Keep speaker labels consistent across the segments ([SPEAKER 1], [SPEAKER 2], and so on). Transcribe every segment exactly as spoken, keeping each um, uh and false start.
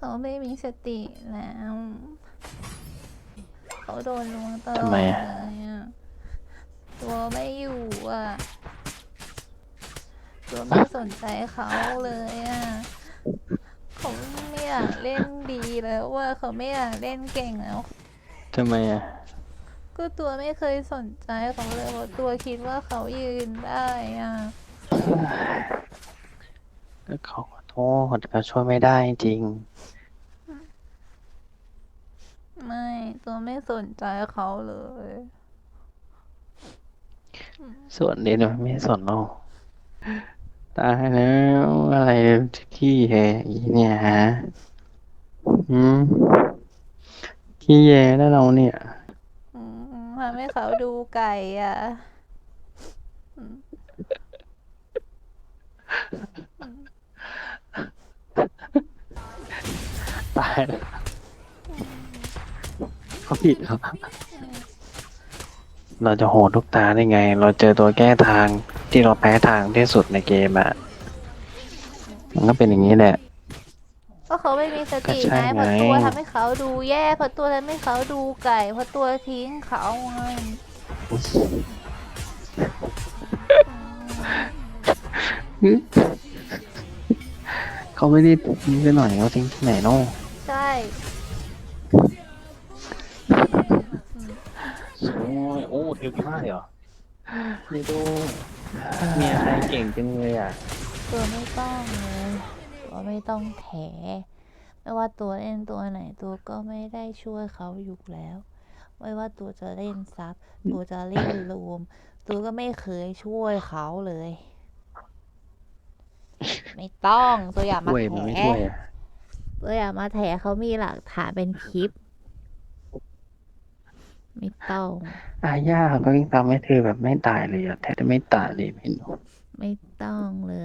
[SPEAKER 1] เขาไม่มีสติแล้วเขาโดนลวงตลอ
[SPEAKER 2] ทำไม
[SPEAKER 1] ด
[SPEAKER 2] อะ
[SPEAKER 1] เลยอะตัวไม่อยู่อะตัวไม่สนใจเขาเลยอะเขาไม่อยากเล่นดีแล้วว่าเขาไม่อยากเล่นเก่งแล้ว
[SPEAKER 2] ทำไมอ่ะ
[SPEAKER 1] ก็ตัวไม่เคยสนใจเขาเลยเพราะตัวคิดว่าเขายืนได้อะ
[SPEAKER 2] ก็เขาขอโทษเขาช่วยไม่ได้จริง
[SPEAKER 1] ไม่ตัวไม่สนใจเขาเลย
[SPEAKER 2] ส่วนเด่นมันไม่สนเราตายแล้วอะไรขี้แยอีเนี่ยฮะอืมขี้แยแล้วเราเนี่ย
[SPEAKER 1] อืมทำให้เขาดูไก่อ่ะอืม
[SPEAKER 2] ตายแล้วเขาผิดครับ เราจะโหดทุกตาได้ไง เราเจอตัวแก้ทางที่เราแพ้ทางที่สุดในเกมอ่ะ มันก็เป็นอย่างนี้แหละ
[SPEAKER 1] ก็เขาไม่มีสติ
[SPEAKER 2] ก็ใช่
[SPEAKER 1] ไง
[SPEAKER 2] ไง
[SPEAKER 1] เพราะตัวทำให้เขาดูแย่เพราะตัวทำให้เขาดูไก่เพราะตัวทิ้งเขาไง
[SPEAKER 2] เขาไม่ได้ทิ้งไปหน่อยเขาทิ้งที่ไหนเนาะ
[SPEAKER 1] ใช่
[SPEAKER 2] โอ้ยโอ้เทวดีมากเลยเหรอนี่ดูเมียใครเก่งจังเลยอ่ะ
[SPEAKER 1] ตัวไม่ต้องเลยตัวไม่ต้องแถไม่ว่าตัวเล่นตัวไหนตัวก็ไม่ได้ช่วยเขาอยู่แล้ว ไม่ว่าตัวจะเล่นซับตัวจะเล่นรวมตัวก็ไม่เคยช่วยเขาเลย ไม่ต้องตัวอย่ามา
[SPEAKER 2] ช่วย
[SPEAKER 1] แถ
[SPEAKER 2] มันไม่ช่วยอ่ะ
[SPEAKER 1] ตัวอย่ามาแถเขามีหลักฐานเป็นคลิป ไม่ต้อง
[SPEAKER 2] อาย่าเขาก็ยิ่งทำให้เธอแบบไม่ตายเลยอ่ะแทบจะไม่ตายเลยไม่รู้
[SPEAKER 1] ไม่ต้องเลย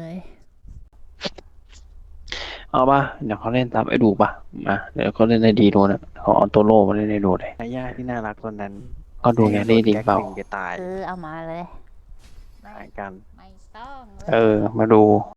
[SPEAKER 2] เอาป่ะเดี๋ยวเขาเล่นตามไอ้ดูป่ะมาเดี๋ยวเขาเล่นได้ดีดูนะเขาเอาตัวโล่มาเล่นได้ดูเลยอาย่าที่น่ารักคนนั้นก็ดูแกนี่ดีเปล่า
[SPEAKER 1] เออเอามาเลย
[SPEAKER 2] หายกัน
[SPEAKER 1] ไม่ต้องเลย
[SPEAKER 2] เออ มาดู